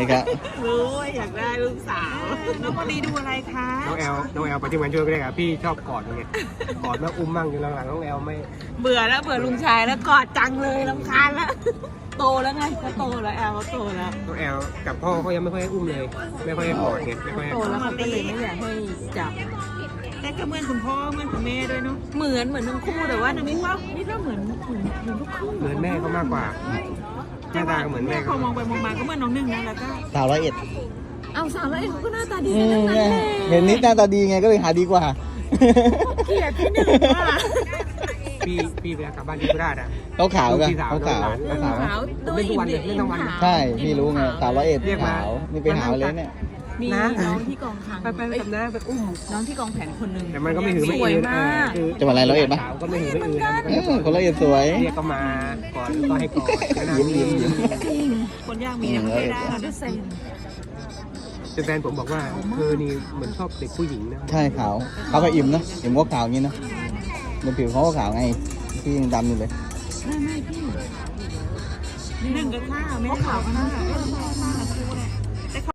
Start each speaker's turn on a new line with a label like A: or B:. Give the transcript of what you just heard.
A: นะครับ
B: รู้ว่าอยากได้ลูกสาวน้องมารีดูอะไรคะ
C: น้องแอลไปที่งานช่วยก็ได้ครับพี่ชอบกอดไงกอดแล้วอุ้มมั่งอยู่หลังๆน้องแอลไม่
B: เบื่อลุงชายแล้วกอดจังเลยรำคาญแล้วโตแล้วไงก็โตแล้วแอลเขาโตแล้ว
C: น้องแอลกับพ่อเขายังไม่ค่อยให้อุ้มเลย ไม่ค่อยให้กอดไงไม่ค่อยให้
B: โตแล้วเขาก็เลยไม่อยากให้จับแต่ก็เหมือนคุณพ่อเหมือนคุณแม่ด้วยเนาะเหมือนทั้งคู่แต่ว่าน้องนี่ก็เหมือนทุกคู่
C: เหมือนแม่เขามากกว่าหน้าตาก็เหมือนแม่
B: พอมองไปมองมาก็เหมือนน้องหนึ่งนะแล้วก็
A: สาว101
B: เอาสาวแล้วเองเขาก็หน้าตาดี
A: อื
B: กัน
A: ม
B: ทั้งนั้นเลย
A: เห็นนิดหน้าตาดีไงก็เลยหาดีกว่า
B: เกลียดที่หนึ่งว่ะ
C: พี่เวลากลับบ้านที่โคราชอ่ะ
A: เขาขาวกัน
C: พี่สาว
A: เขาขาว
C: น้องหลาน
A: เขาขาว
B: ขาว
C: เล่นทุกวันเลยเล่นทั้งวัน
A: ใช่พี่รู้ไงสาว101
C: เรียกมา
A: ขาวนี่ไปหาเลยเนี่ย
B: มี
C: นะ
B: น้องที่กองคลัง
C: ไปกับน้าไปอุ้ม
B: น้องที่กองแผนคนหนึ่ง
C: แต่มันก็ไม่หือไม่
B: สวย
C: อืน
B: มาก
A: จังหวัดอะไรร้อยเอ็ดปะ
C: สาวก็ไม่หือไม่อืนนะมันก็
A: เอ
C: จะ
A: อคน101สวย
C: เรียกก็มาก่อนก็ให้กอดแล้วนาง
A: ยิ้ม
B: คนยากมีนะไม่ได้ค่ะด้วยเซน
C: จนแฟนผมบอกว่าเธอนี่เหมือนชอบเด็กผู้หญิงนะ
A: ใช่ขาวเขากับอิ่มนะอิ่มก็ขาวอย่างนี้นะในผิวเขาก็ขาวไงพี่ยังดำอยู่เลย
B: ไม่พี่หนึ่งกับข้าวไม่ขาวกันนะ